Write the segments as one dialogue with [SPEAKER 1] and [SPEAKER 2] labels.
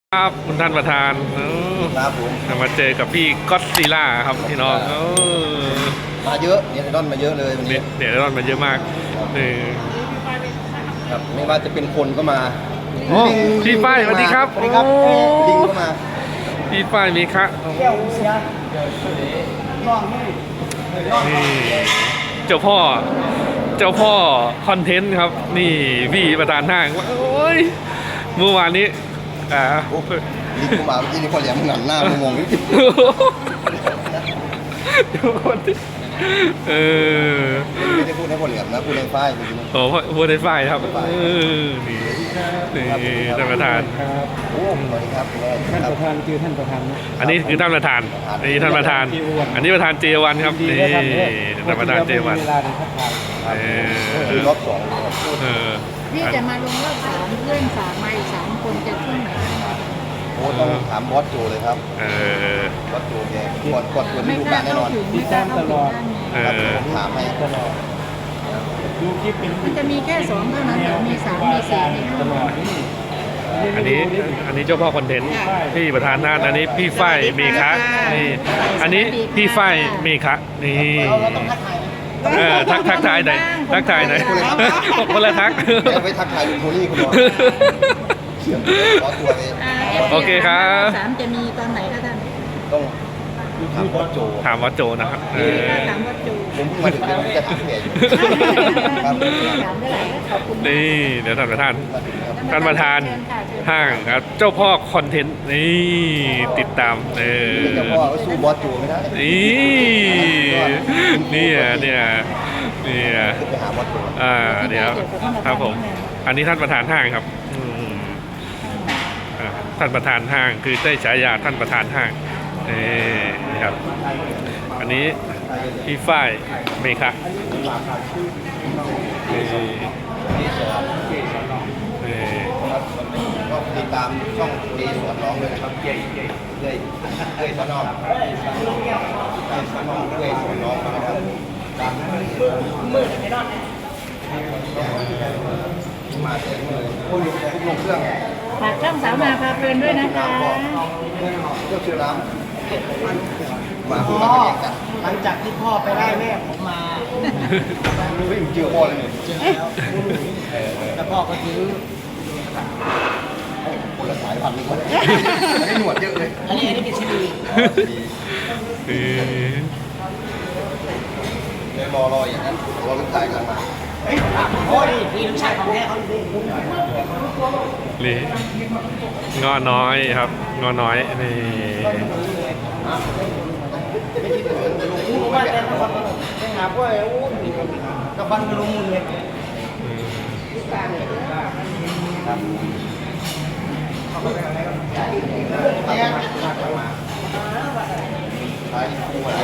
[SPEAKER 1] ครับคุณท่านประธาน
[SPEAKER 2] ครับผม
[SPEAKER 1] มาเจอกับพี่ก็อดซิลล่าครับพี่น้อง
[SPEAKER 2] มาเยอะเน็ตไอดอลมาเยอะเลยวันนี้
[SPEAKER 1] เดี๋ยวรอนมาเยอะมาก
[SPEAKER 2] ครับไม่ว่าจะเป็นคนก็มา
[SPEAKER 1] พี่ฝ้ายสวัสดีครับ
[SPEAKER 2] สวัสดีครับลิงก็มา
[SPEAKER 1] พี่ฝ้ายมีคะนี่เจ้าพ่อคอนเทนต์ครับนี่พี่ประธานห้างโอ้ยเมื่อวานนี้
[SPEAKER 2] ลิงก็มาเมื่อกี้นี่พอเหลี่ยมหงันหน้ามองๆไม่ได้พูดให้พอเหลี่ยมนะพูดในฝ้ายจริง
[SPEAKER 1] ๆโอ้พูดในฝ้ายครับนี่ท่านประธาน
[SPEAKER 2] โอ้สวัสดีครับ
[SPEAKER 3] ท่านประธานคือท่านประธาน
[SPEAKER 1] อันนี้คือท่านประธานนี่ท่านประธานอันนี้ประธานเจวันครับนี่ท่านประธานเจวัน
[SPEAKER 2] รอบสอง
[SPEAKER 4] พี่จะมาลงรอบ3เพื่อนฝากมาอีก3 คนจะขึ้นไหน
[SPEAKER 2] โอ้ต้องถามบอสโจเลยครับบอสโจแกกดตัวที่ดูการแน่นอน
[SPEAKER 3] ติดตามตลอด
[SPEAKER 2] ถามให้
[SPEAKER 3] ตลอดดูคลิปเป็น
[SPEAKER 4] มันจะมีแค่2เท่านั้นหรือมี3มี4มี
[SPEAKER 3] ตลอด
[SPEAKER 1] อันนี้เจ้าพ่อคอนเทนต์พี่ประธานน่านอันนี้พี่ฝ้ายมีคะนี่อันนี้พี่ฝ้ายมีคะนี่ทักทายไหนคนละทัก
[SPEAKER 2] ไปทักทายลุงโทนี่คุณหมอเขียนขอตัวไป
[SPEAKER 1] โอเคครับ
[SPEAKER 4] 3จะมีตอนไหนคะท่าน
[SPEAKER 2] ต้องถามวัดโจ
[SPEAKER 1] นะครับ
[SPEAKER 4] ถามวัดโจ
[SPEAKER 2] ผมมาถึงผมจะถามแกอยู่ครับ
[SPEAKER 1] นี่เดี๋ยวท่านประธานห้างครับเจ้าพ่อคอนเทนต์นี่ติดตาม
[SPEAKER 2] เจ้าพ่อสู้บอสโจไม่ได้
[SPEAKER 1] นี่
[SPEAKER 2] ไปหาบอสโจ
[SPEAKER 1] เดี๋ยวครับผมอันนี้ท่านประธานห้างครับท่านประธานห้างคือได้ฉายาท่านประธานห้างนี่ครับอันนี้พี่ฝ้ายเมฆะ
[SPEAKER 2] ก็ติดตามช่องดีสวนน้องเลยนะครับเลยสวนน้องเลยสวนน้องนะครับมือไม่รอดมาเต็มเลยทุกลงเครื่อง
[SPEAKER 4] ฝากช่องสาวนาพาเพลินด้วยนะคะ
[SPEAKER 2] เครื่องเชื่อน้ำมา
[SPEAKER 3] หลังจากที่พ่อไปได้แม่ผมมา
[SPEAKER 2] ไม่เจอพ่อเลย
[SPEAKER 3] แล้วพ่อก็ซื้อ
[SPEAKER 2] คนละสายพันธุ์เลยอันนี้หนวดเยอะเลย
[SPEAKER 3] อันนี้เป็นชิลี
[SPEAKER 2] เลยรออย่างนั้นรอลูกชายกลับมา
[SPEAKER 3] โอ้ยนี่ลูกชายของแม่เขา
[SPEAKER 1] นี่งอน้อยครับงอน้อยนี่
[SPEAKER 3] ว่าแต่คนไม่หาพวกไอ้อู้กระบันกระลุมเลย
[SPEAKER 2] ครับใช่คู่อะไร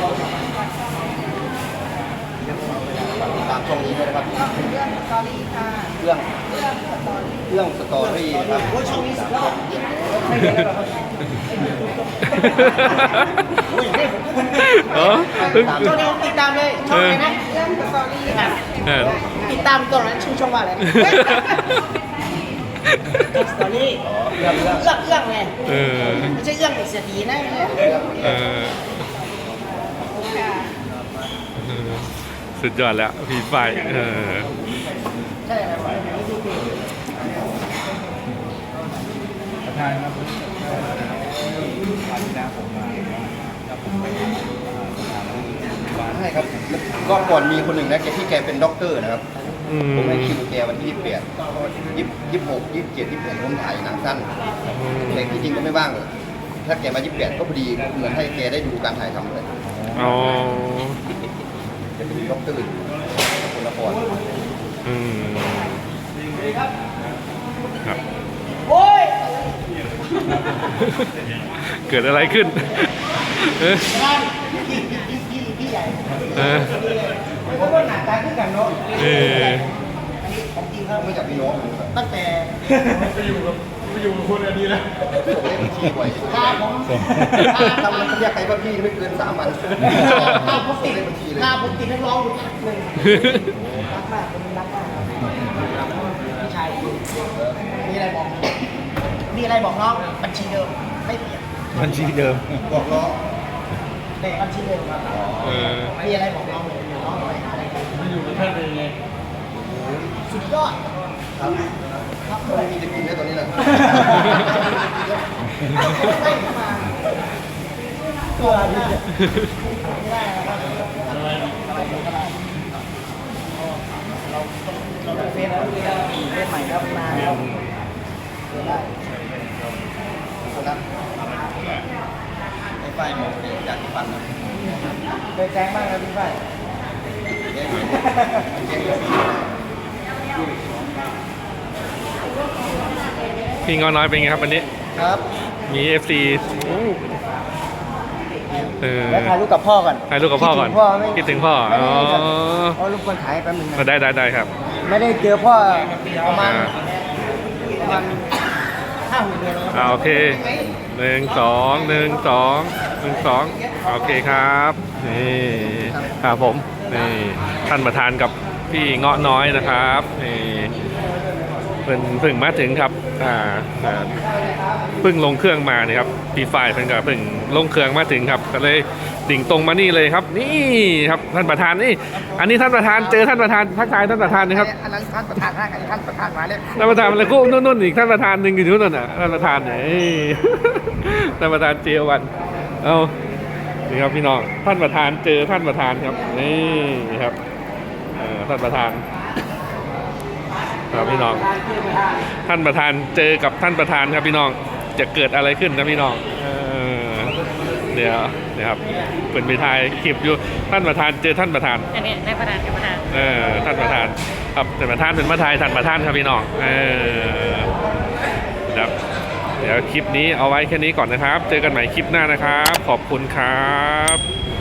[SPEAKER 2] ตามช่องนี้ด้วยนะครับเรื่องสตอรี่นะครับ
[SPEAKER 3] ช่องนี้สุดยอดช่องนี้ติดตามเลยช่องไหนนะเรื่องสตอรี่ติดตามตอนนั้นชื่อช่องว่าอะไรสตอรี่เรื่องไงไม่ใช่เรื่องเสียดีนะ
[SPEAKER 1] สุดยอดแล้วพี่ฝ้าย
[SPEAKER 3] ใช่ครับประธานครับ
[SPEAKER 2] ใช่ครับก็ก่อนมีคนหนึ่งนะแกเป็นด็อกเตอร์นะครับผมให้คิวแกวันที่28 26 27 28ผมถ่ายหนังสั้นแต่ที่จริงก็ไม่ว่างถ้าแกมา28ก็พอดีเหมือนให้แกได้ดูการถ่ายทำเลยจะเป็นด็อกเตอร์คนละคร
[SPEAKER 1] ครับโอ้ยเกิดอะไรขึ้น
[SPEAKER 3] พี่ใหญ่เพราะว่าหน้าตาขึ้นกันเนาะของจริงครับ
[SPEAKER 2] ไม่จากพี่น้อง
[SPEAKER 3] ตั้งแต่ไปอยู่คนอันนี้แล้ว
[SPEAKER 2] ผมเล่นบัญชีบ่อยผมทำมันเรียกใครว่าพี่ไม่เกิน3 วัน
[SPEAKER 3] ผมติดนักร้องอยู่พักหนึ่งรักมากผมรักมากพี่ชายมีอะไรบอกมีอะไรบอกน้องบัญชีเดิมไม่เปลี่ยน
[SPEAKER 1] บัญชีเดิม
[SPEAKER 2] บอกล้อ
[SPEAKER 3] เลขบัญชีเดิมครับ
[SPEAKER 1] เออ
[SPEAKER 3] มีอะไรบอกน้องเลยน้องอะไรอะไร
[SPEAKER 5] มันอยู่ในแค่เองไง
[SPEAKER 3] สุดยอด
[SPEAKER 2] ครับครับไม่มีจะกินได้ตอนนี้นะ
[SPEAKER 3] ตัวดีไม่ได้นะครับเราเป็นเฟซใหม่ครับมาแล้วได้
[SPEAKER 2] คนนั้นไอ้ไฟหมดอยากปั่นนะ
[SPEAKER 3] เคยแจ้งบ้างครับพี่ฝ้าย
[SPEAKER 2] แกงแกงสี
[SPEAKER 1] พี่เงาน้อยเป็นไงครับวันนี้
[SPEAKER 2] ครับ
[SPEAKER 1] มี FC เออ
[SPEAKER 3] แล้วถ่ายรูปกับพ่อก่อน
[SPEAKER 1] ถ่ายรูปกับพ่อก่อน คิดถึงพ่อ
[SPEAKER 3] ไม่
[SPEAKER 1] อ๋อ
[SPEAKER 3] ได้เอารูปคนถ่ายแป๊บนึงนะ
[SPEAKER 1] ได้ครับ
[SPEAKER 3] ไม่ได้เจอพ่อประมาณ
[SPEAKER 1] อ่า
[SPEAKER 3] 5-6 เดือนแล้วครับ
[SPEAKER 1] โอเค1 2 1 2 1 2โอเคครับนี่ครับผมนี่ท่านประธานกับพี่เงาะน้อยนะครับนี่เพิ่งมาถึงครับเพิ่งลงเครื่องมาเนี่ยครับพี่ฝ่ายเพิ่งกับเพิ่งลงเครื่องมาถึงครับก็เลยดิ่งตรงมานี่เลยครับ นี่ครับท่านประธานนี่อันนี้ท่านประธานเจอท่านประธานทักทายท่านประธานนะครับ
[SPEAKER 3] อันนั้นท่านประธานนะอันนี้ท่านประธานมาเลย
[SPEAKER 1] ท่านประธานอะไรกูนู่นอีกท่านประธานหนึ่งอยู่ที่นู่นน่ะท่านประธานเนี่ยท่านประธานเจียวันเอานี่ครับพี่น้องท่านประธานเจอท่านประธานครับนี่ครับท่านประธานครับพี่น้องท่านประธานเจอกับท่านประธานครับพี่น้องจะเกิดอะไรขึ้นนะพี่น้องเดี๋ยวครับเป็นไปทายคลิปอยู่ท่านประธานเจอท่านประธาน
[SPEAKER 4] อันนี้ในประธานกับประธาน
[SPEAKER 1] ท่านประธานครับท่านประธานเป็นมาทายท่านประธานครับพี่น้องครับเดี๋ยวคลิปนี้เอาไว้แค่นี้ก่อนนะครับ เจอกันใหม่คลิปหน้านะครับ ขอบคุณครับ